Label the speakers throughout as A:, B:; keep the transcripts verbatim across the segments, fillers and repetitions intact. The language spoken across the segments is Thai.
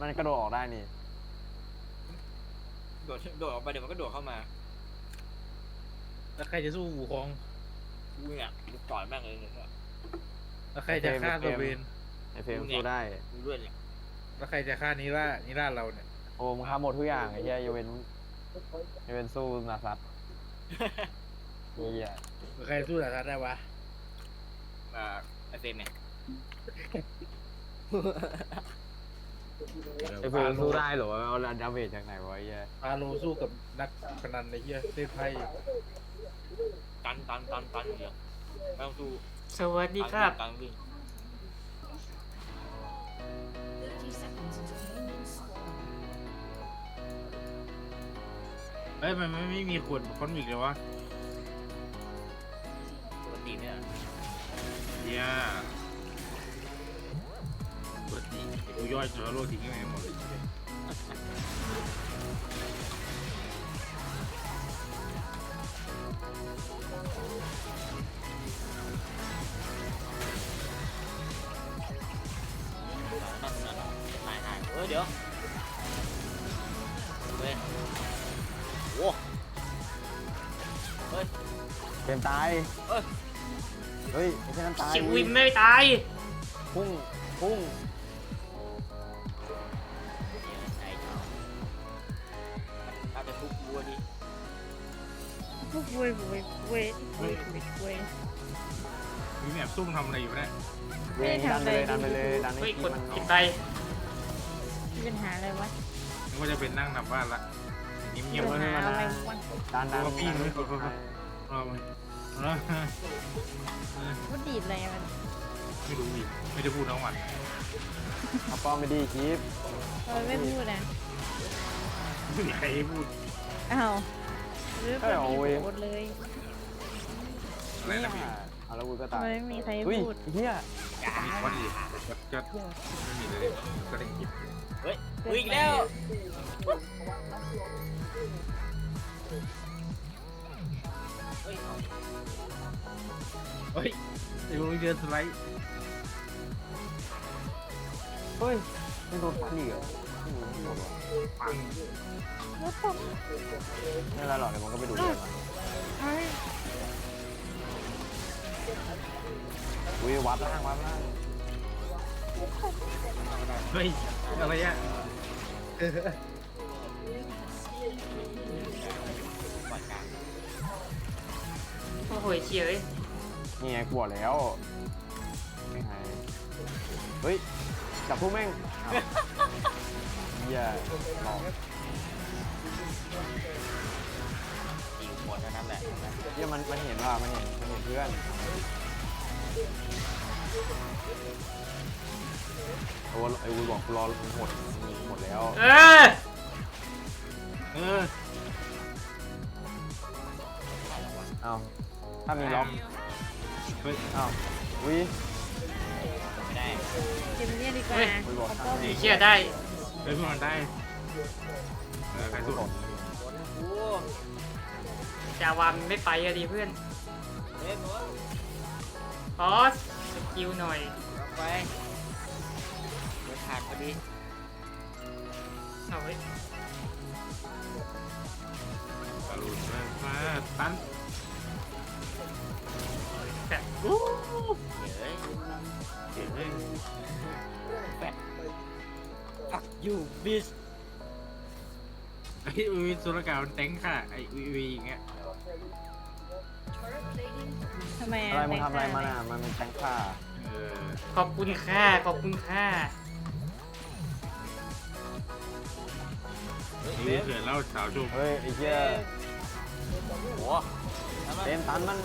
A: มันกระโดดออกได้นี่
B: โดดโดดออกไปเดี๋ยวมันก็โดดเข้ามา
C: แล้วใครจะสู้วูคอง
B: กูเนี่ยกูต่อยแม่งเลยเนี่ย
C: แล้วใครจะฆ่าตัวเบน
A: ไอเฟรมสู้ได้
B: กูด้วยเนี่ย
C: แล้วใครจะฆ่านิร่านิร่าเราเนี่ย
A: โอ้มึงฆ่าหมดทุกอย่างไอ้เหี้ยยกเว้นยกเว้นสู้นาซัตเหี้ย
C: ใครสู้นาซัตได้วะ
B: อ่าไอเฟรมเนี่ย
A: ไอเฟรมสู้ได้เหรอเอาดาเมจจากไหนวะไอ้เหี้ย
C: พาโลสู้กับนักพนันในเหี้ยเล่นไพ่
B: ตันตันตันตันเดียวไม่ต้องสู้
D: สวัสดีครับ
B: ตันวิ่ง
C: เฮ้ยมันไม่ไม่มีขวดคอนมิกเลยวะ
B: ปกติเนี่ย
C: เนี่ยปกติกูย่อยจอโลทิ้งยังไงหมดเลย
B: นั่นนั่นนายนายเออเดี๋ยวเว้ยโว้เฮ้ย
A: เฟรมตาย
B: เฮ้ย
A: เฮ้ยไอ้แค่นั้นตาย
D: ชิวิมไม่ตาย
A: พุ่งพุ่ง
B: อาจจะทุกวัวดิ
D: พวกเว้ยเว้ยเว้ยเว้ยเว้ย
C: มีแอบซุ่มทำอะไรอยู่เนี่ย
A: เว้ยดันไปเลยดันไปเลยดันให้
D: กด
A: มัน
D: กินไปมีปัญหาอะไรวะ
C: นึกว่าจะเป็นนั่งนับบ้านละเงียบๆ
D: ปัญหาอะไรวะ
A: ดันดัน
C: พี่ไม่กดรอมา
D: ว่าดีดอะไรมัน
C: ไม่รู้อีกไม่ได้พูดทั้งวัน
A: เอาป้อมไม่ดีคลิป
D: ทำไมไม่พูดอ่ะ
C: ไม่มีใครพูด
D: อ้าวหรือเป็นดีพูดเลย
C: อะไรนะพี่
A: เอาแล้วกูก็ตาย
D: ทำไมไม่มีใครพูด
A: เฮีย
C: มีวัดดีก็ไม่มีเลยก็ได้คิด
B: เฮ้ยอีกแล้วเฮ้ย
C: เฮ้ยไอ้พวกเดินสไลด์
A: เฮ้ยไม่โดนฟันอีกเหรอ
C: ปัง
A: ไม่ไรหรอกเดี๋ยวมันก็ไปดูเรื่องอุ้ยวัดล่างวัดล่าง
C: เฮ้ยอะไรอ่ะ
D: โอ้โหเฉียเลย
A: นี่ไงกลัวแล้วไม่หายเฮ้ยจับพวกแม่งเหี้ยหลอก
B: ยิงหมดนั่นแหละ
A: เหี้ยมันมันเห็นว่ามันเห็นมันเห็นเพื่อนโอ้ไอ้วุ้ยบอกกูรอหมดหมดแล้ว
D: เออ
C: เออ
A: เอาถ้ามีล็อก
C: เฮ้ย
A: เอาวิ
B: ไม่ได้
D: เกมนี้ดีกว่า
A: ดี
D: เชี่ยได้
C: เฮ้ยมันได้เออใครสู้ผม
D: จาวามไม่ไปอะดีเพื่อนขอสกิลหน่อย
B: ไปเดินผ่านพอดี
D: เอาไว้
C: บอลลูนมาตัน
D: แต่โอ้
B: เฮ้ย
C: เก่งเลย
B: แปะอักยูบิส
C: ไอ้วีสุรกามันเต็งค่ะไอ้วีวีอย่างเงี้ย
D: ทำไม
A: อะไรมันทำอะไรมันอ่ะมันเป็นแทงค่า
D: ขอบคุณค่าขอบคุณค่า
C: นี่เกิดเล่าสาวจุ๊บ
A: เฮ้ยไอ้เหี้ย
B: โห
A: เต็มตันมัน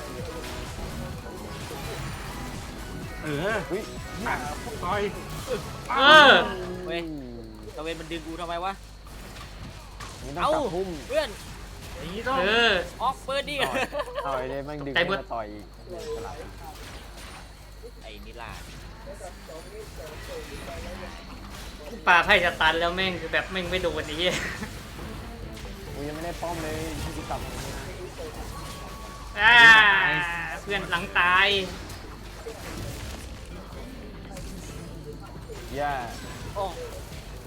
C: เออเฮ้ยหนักต่อย
D: เออ
B: เว้ยตะเวนมันดึงกูทำไมวะ
A: เอ้า
B: เพื่อน
C: อย่างนี้ต้อง
B: ออกเปิดดิ
A: ต่อยเลยมันดึงมาต่อยอีก
B: ไอ้นิลา
D: ปลาไพ่จะตันแล้วแม่งคือแบบแม่งไม่โดนนี้
A: กูยังไม่ได้ป้อมเลยที่กูตับ
D: เพื่อนหลังตาย
A: ย่า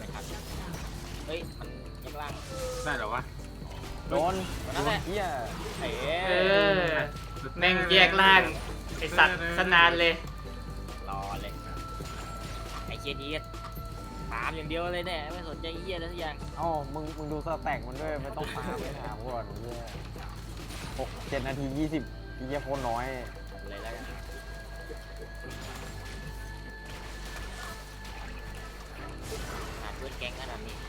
B: ล่าง
C: ได้เหรอวะ
A: โดน
B: นั่นแหละ
A: เฮีย
B: เอ๋
E: เออแม่งแยกล่างไอสัตว์สนานเลย
B: รอเลยไอ้เคียดีถามอย่างเดียวเลยเนี่ยไม่สนใจเหี้ยอะไรทุกอย่าง
A: เอ้ามึงมึงดูสแต็กมันด้วยไม่ต้องตามไม่ถามก่อนเฮียหกเจ็ดนาทียี่สิบเฮียโคตรน้อย
B: เลยแล้วกันหาเพื่อนแก๊งขนาดนี้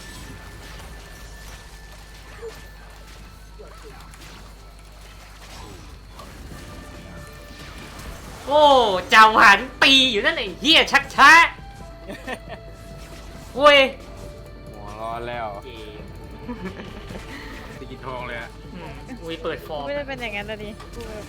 E: โอ้จาหวานปีอยู่นั่นไอ้เฮียชักช้าเว้ย
A: หัวร้อนแล้ว
B: เกม
C: ตีกินทองเลยอะ
E: อืมอุ้ยเปิดฟอร์ม
D: ไม่ได้เป็นอย่างนั้นนะดิกูแบบ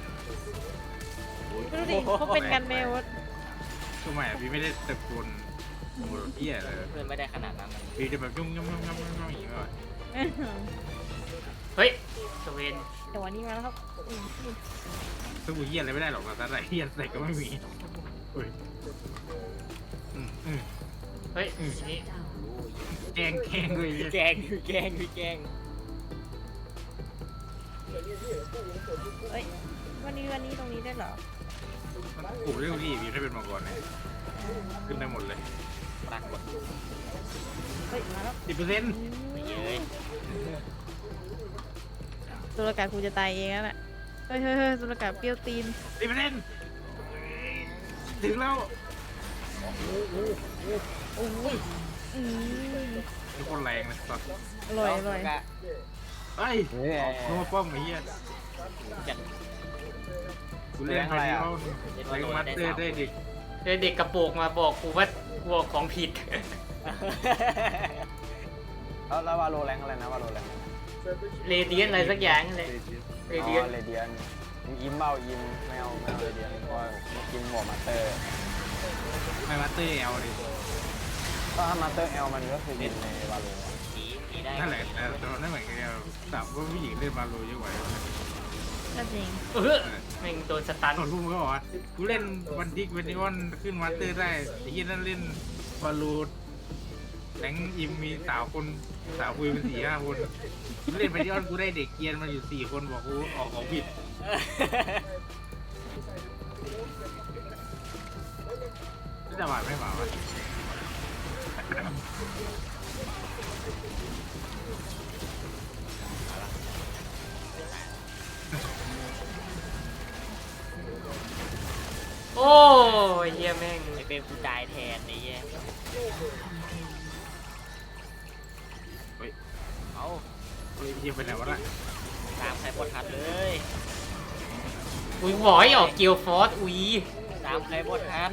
D: ดูดิเขาเป็นกันเมลว
C: ทำไมอะพี่ไม่ได้ตะโกนโอ้โหเหี้ยเลย
B: เพื่อนไม่ได้ขนาดนั้น
C: พี่จะแบบยุ่งยุ่งยุ่งยุ่งยุ่งยุ่งอย่างเงี้ยแบบ
E: เฮ้ยสเวน
D: แต่วันนี้มาแล้วครับอืมอืม
C: สู้เหี้ยอะไรไม่ได้หรอกแต่อะไรเหี้ยใส่ก็ไม่มีเฮ้ยอืมอืม
E: เฮ้ยนี่
C: แกงแกงเลยเหี้ย
B: แกงคือแกงคือแกง
D: เอ้ยวันนี้วันนี้ตรงนี้ได้เหรอ
C: มันปลูกเรื่องที่พี่ถ้าเป็นมังกรเนี่ยขึ้นได้หมดเลย
B: ปรากฏ
D: เฮ้ยมาแล้ว
C: สิบเปอร์เซ็นต์
B: ไม่เย้ย
D: ตุลกากูจะตายเองแล้วแหละเฮ้ยเฮ้ยเฮ้ยตุลกาเปรี้ยวตีน
C: สิบเปอร์เซ็นต์ถึงแล้ว
D: โอ้ยอืม
C: ทุกคนแรงเลยสัส
D: อร่อยอร่อย
C: เฮ้ย
A: เนี่ย
C: โน้ป้อมไอ้เหี้ย
B: จัด
C: กูเล่นไปที่เขาไปกับมัดเตอร์ได้ดิ
E: เด็กกระโปรงมาบอกกูว่ากูบอกของผิด
A: แล้วแล้ววาโลแรงอะไรนะวาโลแรง
E: เรเดียนอะไรสักอย่างนั่นแหละเร
A: อ๋
E: เดียน
A: อเรเดียนมึงอิมเบ้าอิมไม่เอาไม่เอาเรเดียนเพราะว่ามึงกินหัวมาสเตอร์
C: ไม่มัดเตอร์เอาดิ
A: ก็ถ้ามาสเตอร์เอลมันก็คือวินในวาโล
B: สีสีได้
C: นั่นแหละแต่ตอนนั้นเหมือนกันสามว่าผู้หญิงเล่นมาโลเยอะกว่า
D: ก็จริง
E: เออแม่งโดนสตัน
C: ตอนรุ่มก็บอกว่ากูเล่นวันดิกวันดิออนขึ้นมัดเตอร์ได้ไอ้เหี้ยนั่นเล่นบอลลูนแหงอิมมีสาวคนสาวคุยเป็นสี่ห้าคนเล่นไปที่ออนกูได้เด็กเกียนมาอยู่สี่คนบอกกูออกของผิดจะหวานไม่หวานวะ
E: โอ้ยเฮียแม่ง
B: ไอเป็นกูตายแทนไอ้เหี้ย
C: เฮ้ย
B: เอา
C: เฮ้ยเยี่ยมไปไหนวะล่ะ
B: ตามใครพอทันเลย
E: อุ้ยหวอยออกเกียวฟอสอุ้ย
B: ตามใครพอทัน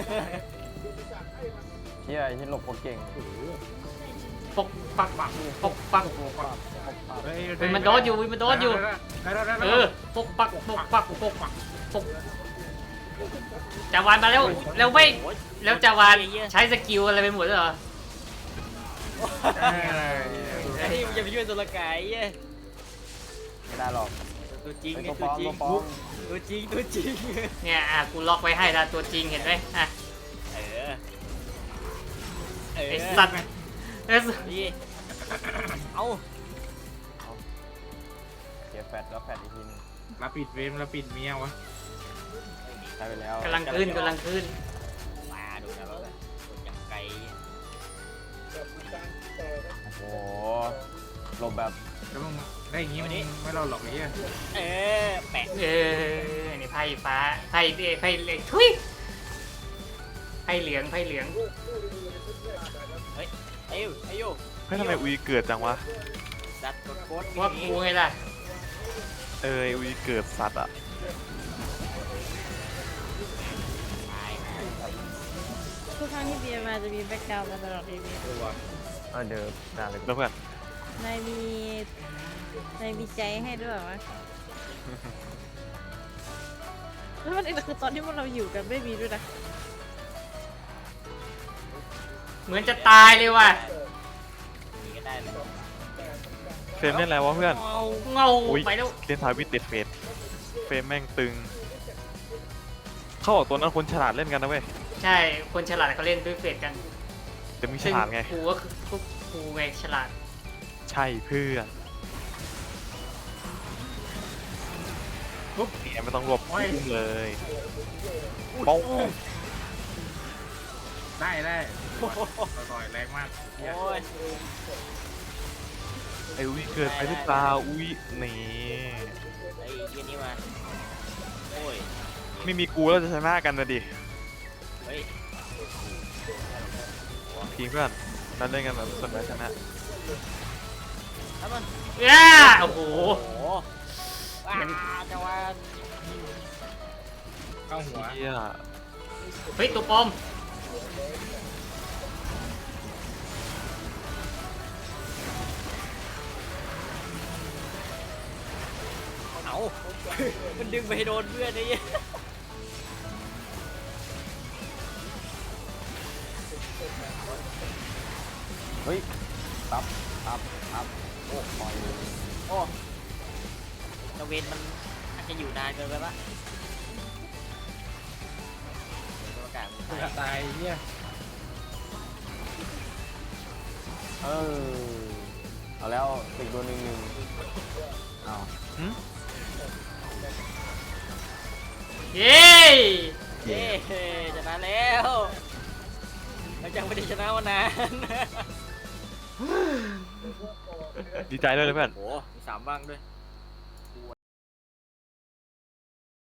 A: เฮียที่หลบโคตรเก่ง
E: ปกปักปักปกปัก
A: ปกปักปกปัก
C: เฮ้ย
E: อุ้ยมันโดนอยู่อุ้ยมันโดนอยู่
C: ได้แล้วได้แล้ว
E: เออปกปักปกปักปกปักปกจาวานมาแล้วแล้วไม่
B: โอ๊ย
E: แล้วจาวานใช้สกิลอะไรไปหมดเลยเหรอ
B: ไอ้นี่มันจะไปช่วยตัวละกายไอ้เหี้ย
A: ไม่ได้หรอก
B: ตัวจริง
A: ไอ้
B: ไง
A: ตัวป
B: ตั
A: ล
B: ว
A: อม
B: จริ
A: ตั
B: ง
A: วปลอม
B: ตัวจริงตัวจริง
E: เนี่ยอ่ะกูล็อกไว้ให้ละตัวจริงเห็นไหมอ่ะ
B: เออเออ
E: ไอสัตว์เออ
B: นี่เอา
A: เก็บแฟดแล้วแฟดอีกทีนึง
C: รับปิดเฟรมรับปิดเมียวะ
A: ใช้ไปแล้ว
E: กำลังขึ้นกำลังขึ้น
B: มาดูนะว่าคนอย่างไกล
A: โอ้โหหลบแบบ
C: แล้วมึงได้อย่างงี้มึงไม่รอดหรอกไอ้เหี้ย
B: เออแปะ
E: เออนี่ไพ่ฟ้าไพ่เอ้ยไพ่เหลืองทุยไพ่เหลืองไพ่เหลือง
B: เฮ้ยไอ้ยูไอ้ยู
F: เฮ้ยทำไมอุยเกิดจังวะ
B: สัตว์กดโคตร
E: ว่ากูไงล่ะ
F: เอออุยเกิดสัตว์อ่ะ
B: ตาย
D: ทุกครั้งที่เบียร์มาจะมีแบ็กกราวด์มาตลอดทีวี
A: เออเดิมด่าเลย
F: แล้วเพื่อน
D: นายมีนายมีใจให้ด้วยเหรอวะแล้วมันคือตอนที่พวกเราอยู่กันไม่มีด้วยนะ
E: เหมือนจะตายเลยว่ะ
B: มีก็ได้เลย
F: เฟรมเล่นอะไรวะเพื่อน
E: เงาเงา
F: อุ้ย
E: ไปแล้ว
F: เล่นทาวิตติดเฟสเฟรมแม่งตึง เขาบอกตัวนั้นคนฉลาดเล่นกันนะเว้ย
E: ใช่คนฉลาดเขาเล่นด้วยเฟสกัน
F: แต่มึงฉลาดไง
E: กูก็คือพวกกูไงฉลาด
F: ใช่เพื่อน
C: ปุ๊บ
F: เนี่ยไม่ต้องรวบ
C: โอ้ย
F: พุ่งเลยป้อง
C: ได้ได้ต่อยแรงมาก
B: โอ้ย
F: ไอ้อุ้ยเกิดไปหรือเปล่าอุ้ยนี่
B: ไอ้เหี้ยนี่มาโอ้ย
F: ไม่มีกูแล้วจะชนะกันนะดิ
B: เฮ้ย
F: ทีมเพื่อนเราเล่นกันแบบส่วนแพ้ชนะ
B: ถ้ามัน
E: ย่าโอ้โห
B: โอ้โหว้าจังหวะ
C: เข้าหัว
F: เฮีย
E: เฮ้ยตัวปลอม
B: เอามันดึงไปโดนเพื่อนไอ้เหี้ย
A: เฮ้ยตับตับตับโอ้ปล่อย
B: โอ้ตะเวนมันอาจจะอยู่นานเกินไปปะตัวกลางมัน
C: กู
B: ตาย
C: จะตายเนี่ย
A: เออเอาแล้วติดโดนหนึ่งหนึ่งเอา
E: เย้
B: เย้ชนะแล้วเรายังไม่ได้ชนะมานาน
F: ดีใจด้วยเลยเพื่อน
B: โอ้โหมีสามบ้างด้วย